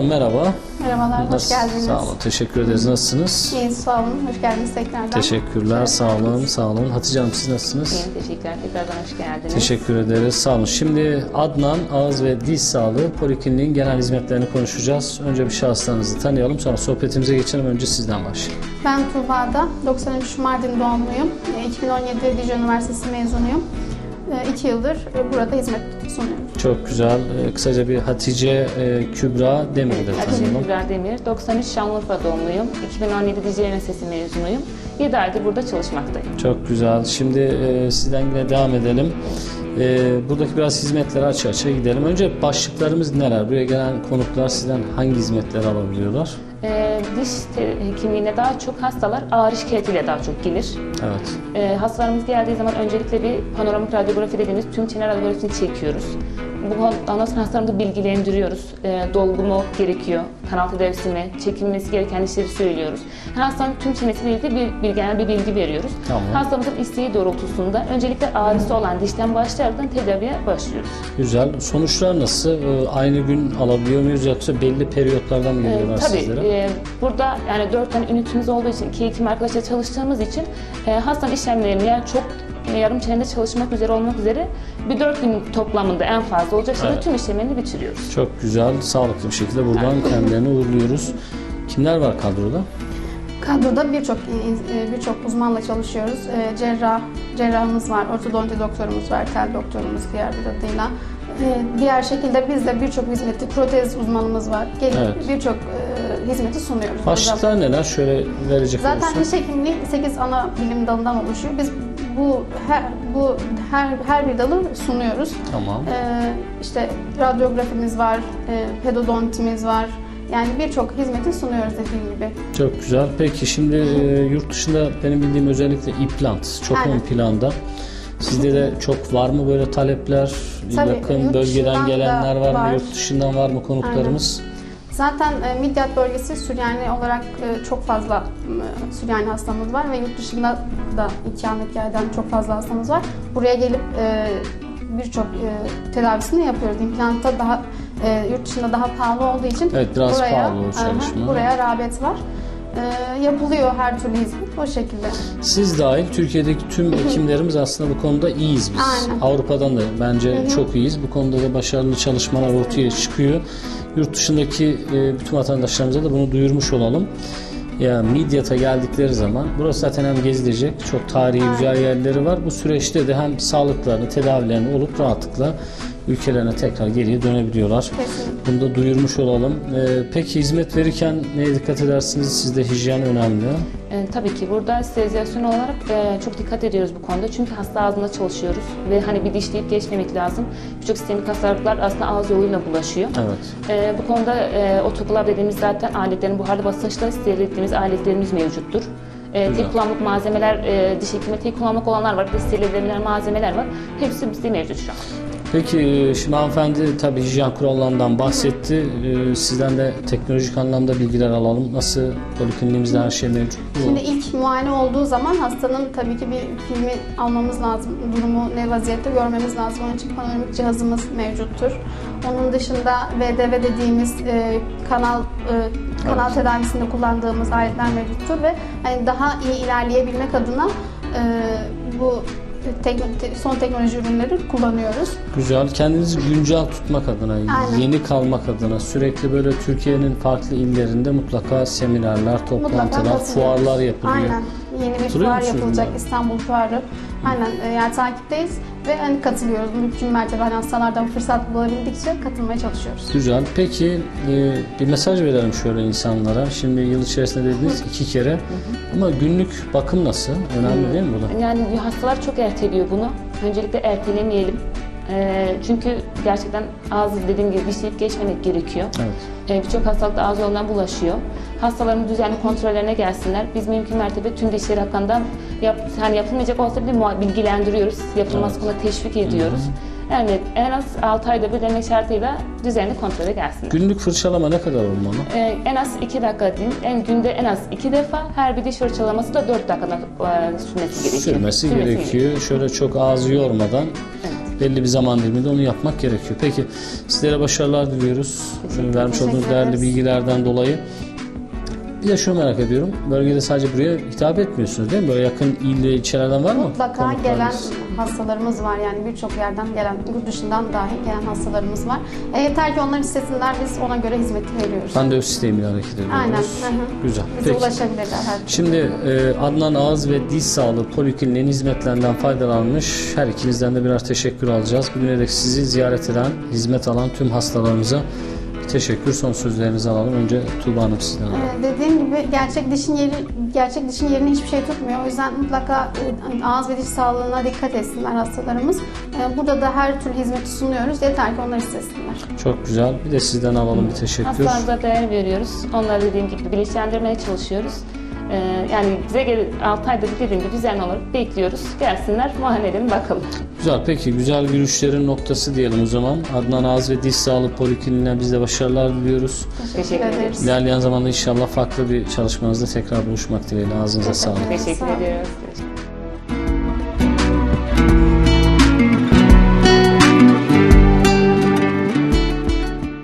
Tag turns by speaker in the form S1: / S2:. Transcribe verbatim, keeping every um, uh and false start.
S1: merhaba.
S2: Merhabalar, hoş geldiniz.
S1: Sağ olun, teşekkür ederiz. Nasılsınız?
S2: İyiyiz, sağ olun. Hoş geldiniz tekrardan.
S1: Teşekkürler,
S2: Evet,
S1: sağ olun, sağ olun. Hatice Hanım siz nasılsınız?
S3: İyiyim, teşekkürler. Tekrardan hoş geldiniz.
S1: Teşekkür ederiz, sağ olun. Şimdi Adnan Ağız ve Diş Sağlığı Polikliniğin genel hizmetlerini konuşacağız. Önce bir şahıslarınızı tanıyalım, sonra sohbetimize geçelim. Önce sizden başlayalım.
S2: Ben Tuğba'da, doksan üç Mardin doğumluyum. iki bin on yedi Dicle Üniversitesi mezunuyum. iki yıldır burada hizmet sunuyorum.
S1: Çok güzel. Kısaca bir Hatice Kübra Demir'i de
S3: Hatice
S1: tanıyalım.
S3: Kübra Demir, doksan üç Şanlıurfa doğumluyum. iki bin on yedi Dicle Üniversitesi mezunuyum. yedi aydır burada çalışmaktayım.
S1: Çok güzel. Şimdi e, sizden yine devam edelim. E, buradaki biraz hizmetleri açı açığa gidelim. Önce başlıklarımız neler? Buraya gelen konuklar sizden hangi hizmetleri alabiliyorlar?
S3: E, diş hekimliğine daha çok hastalar ağrı şikayetiyle daha çok gelir.
S1: Evet.
S3: E, hastalarımız geldiği zaman öncelikle bir panoramik radyografi dediğimiz tüm çene radyografisini çekiyoruz. Bu ondan sonra hastalarımızı bilgilendiriyoruz. E, dolgu mu gerekiyor, kanal tedavisi mi, çekilmesi gereken işleri söylüyoruz. Yani hastanın tüm çenesiyle ilgili bir, bir genel bir bilgi veriyoruz.
S1: Tamam.
S3: Hastamızın isteği doğrultusunda öncelikle ağrısı olan dişten başlayarak tedaviye başlıyoruz.
S1: Güzel. Sonuçlar nasıl? E, aynı gün alabiliyor muyuz yoksa belli periyotlardan mı geliyorlar
S3: e, tabii,
S1: sizlere?
S3: E, burada yani dört tane ünitimiz olduğu için, iki hekim arkadaşla çalıştığımız için e, hastanın işlemlerini yani çok yarım çenede çalışmak üzere olmak üzere bir dört gün toplamında en fazla olacak şekilde
S1: Evet.
S3: tüm işlemlerini bitiriyoruz.
S1: Çok güzel, sağlıklı bir şekilde buradan kendilerini uğurluyoruz. Kimler var kadroda?
S2: Kadroda birçok birçok uzmanla çalışıyoruz. Cerrah, cerrahımız var, ortodonti doktorumuz var, tel doktorumuz diğer bir adıyla. Diğer şekilde biz de birçok hizmeti, protez uzmanımız var. Gelip
S1: Evet.
S2: birçok hizmeti sunuyoruz.
S1: Başlıklar
S2: burada.
S1: neler? Şöyle verecek
S2: Zaten
S1: olursak.
S2: diş hekimliği sekiz ana bilim dalından oluşuyor. Biz bu her bu her her bir dalı sunuyoruz.
S1: Tamam.
S2: Ee, işte radyografimiz var, e, pedodontimiz var. Yani birçok hizmeti sunuyoruz dediğim gibi.
S1: Çok güzel. Peki şimdi e, yurt dışında benim bildiğim özellikle implant çok
S2: Aynen.
S1: ön planda. Sizde de çok var mı böyle talepler?
S2: Tabii,
S1: Yakın
S2: yurt
S1: bölgeden
S2: dışından
S1: gelenler
S2: da
S1: var mı?
S2: var.
S1: Yurt dışından var mı konuklarımız?
S2: Zaten e, Midyat bölgesi Süryani olarak e, çok fazla e, Süryani hastamız var ve yurt dışında da ikametgah eden çok fazla hastamız var. Buraya gelip e, birçok e, tedavisini yapıyoruz. İmplantta daha e, yurt dışında daha pahalı olduğu için
S1: Evet, biraz
S2: buraya,
S1: pahalı o çalışma.
S2: aha, buraya rağbet var. E, yapılıyor her türlü hizmet o şekilde.
S1: Siz dahil Türkiye'deki tüm hekimlerimiz aslında bu konuda iyiyiz biz.
S2: Aynen.
S1: Avrupa'dan da bence
S2: Hı hı.
S1: çok iyiyiz. Bu konuda da başarılı çalışmalar ortaya çıkıyor. Yurt dışındaki e, bütün vatandaşlarımıza da bunu duyurmuş olalım. Ya Midyat'a geldikleri zaman burası zaten hem gezilecek çok tarihi güzel yerleri var. Bu süreçte de hem sağlıklarını, tedavilerini olup rahatlıkla ülkelerine tekrar geriye dönebiliyorlar.
S2: Kesinlikle.
S1: Bunu da duyurmuş olalım. Ee, peki hizmet verirken neye dikkat edersiniz? Sizde hijyen önemli.
S3: E, tabii ki burada sterilizasyon olarak e, çok dikkat ediyoruz bu konuda. Çünkü hasta ağzında çalışıyoruz ve hani bir dişleyip geçmemek lazım. Birçok sistemik hastalıklar aslında ağız yoluyla bulaşıyor.
S1: Evet.
S3: E, bu konuda e, otoklav dediğimiz zaten aletlerin buharlı basınçla steril ettiğimiz aletlerimiz mevcuttur. E,
S1: Güzel.
S3: tek kullanımlık malzemeler, e, diş hekimi tek kullanımlık olanlar var, bir de steril edilebilen malzemeler var. Hepsi bizde mevcut şu an.
S1: Peki şimdi hanımefendi tabii hijyen kurallarından bahsetti. Ee, sizden de teknolojik anlamda bilgiler alalım. Nasıl polikliniğimizde her şey mevcut mu?
S2: Şimdi ilk muayene olduğu zaman hastanın tabii ki bir filmi almamız lazım. Durumu ne vaziyette görmemiz lazım. Onun için panoramik cihazımız mevcuttur. Onun dışında V D V dediğimiz e, kanal e, kanal
S1: Evet.
S2: tedavisinde kullandığımız aletler mevcuttur ve hani daha iyi ilerleyebilmek adına e, bu tekno- son teknoloji ürünleri kullanıyoruz.
S1: Güzel. Kendinizi güncel tutmak adına,
S2: Aynen.
S1: yeni kalmak adına sürekli böyle Türkiye'nin farklı illerinde mutlaka seminerler, toplantılar,
S2: katılıyoruz.
S1: fuarlar yapılıyor.
S2: Aynen. Yeni bir
S1: Katılıyor
S2: fuar
S1: musunuz
S2: yapılacak,
S1: bunlara?
S2: İstanbul Fuarı. Aynen e, yani takipteyiz ve hani katılıyoruz. Mümkün mertebe hani hastalardan fırsat bulabildikçe katılmaya çalışıyoruz.
S1: Güzel. Peki e, bir mesaj verelim şöyle insanlara. Şimdi yıl içerisinde dediniz iki kere. Ama günlük bakım nasıl? Önemli değil mi bu da?
S3: Yani hastalar çok erteliyor bunu. Öncelikle ertelemeyelim. E, çünkü gerçekten ağız dediğim gibi dişleyip geçmemek gerekiyor.
S1: Evet.
S3: E, Birçok hastalık da ağız yolundan bulaşıyor. Hastaların düzenli kontrollerine gelsinler. Biz mümkün mertebe tüm dişleri hakkında yap, yani yapılmayacak olsa bile muha- bilgilendiriyoruz. Yapılması
S1: Evet.
S3: konusunda teşvik ediyoruz. Yani en az altı ayda bir demek şartıyla düzenli kontrole gelsinler.
S1: Günlük fırçalama ne kadar olmalı?
S3: E, en az iki dakika değil, en günde en az iki defa, her bir diş fırçalaması da dört dakikada e, sürmesi gerekiyor.
S1: Sürmesi gerekiyor. Şöyle çok ağzı yormadan
S3: Evet.
S1: belli bir zaman diliminde onu yapmak gerekiyor. Peki sizlere başarılar diliyoruz. Şimdi vermiş olduğunuz
S2: Teşekkür
S1: değerli
S2: ederiz.
S1: bilgilerden dolayı. Bir de şunu merak ediyorum. Bölgede sadece buraya hitap etmiyorsunuz değil mi? Böyle yakın il ve ilçelerden var mı?
S2: Mutlaka
S1: konuklarınız?
S2: gelen hastalarımız var, yani birçok yerden gelen, yurt dışından dahi gelen hastalarımız var. E, yeter ki onlar istesinler, biz ona göre hizmeti veriyoruz.
S1: Randevu sistemiyle hareket ediyoruz.
S2: Aynen. Hı hı.
S1: Güzel.
S2: Bize
S1: Peki.
S2: ulaşabilirler her türlü.
S1: Şimdi e, Adnan Ağız ve Diş Sağlığı Polikliniğinin hizmetlerinden faydalanmış her ikinizden de birer teşekkür alacağız. Bugüne dek sizi ziyaret eden, hizmet alan tüm hastalarımıza teşekkür. Son sözlerinizi alalım. Önce Tuğba Hanım sizden alalım.
S2: Ee, dediğim gibi gerçek dişin yeri gerçek dişin yerini hiçbir şey tutmuyor. O yüzden mutlaka e, ağız ve diş sağlığına dikkat etsinler hastalarımız. Ee, burada da her türlü hizmeti sunuyoruz. Yeter ki onlar istesinler.
S1: Çok güzel. Bir de sizden alalım bir teşekkür.
S3: Hastalarımıza değer veriyoruz. Onları dediğim gibi bilinçlendirmeye çalışıyoruz. Ee, yani bize gel altı ayda bir dediğim gibi düzenli olarak bekliyoruz. Gelsinler, muayene edelim bakalım.
S1: Güzel. Peki güzel görüşlerin noktası diyelim o zaman. Adnan Ağız ve Diş Sağlığı Polikliniğine biz de başarılar diliyoruz.
S3: Teşekkür ederiz.
S1: İlerleyen zamanda inşallah farklı bir çalışmanızda tekrar buluşmak dileğiyle. Ağzınıza sağlık.
S3: Teşekkür
S2: Sağ olun.
S3: ediyoruz.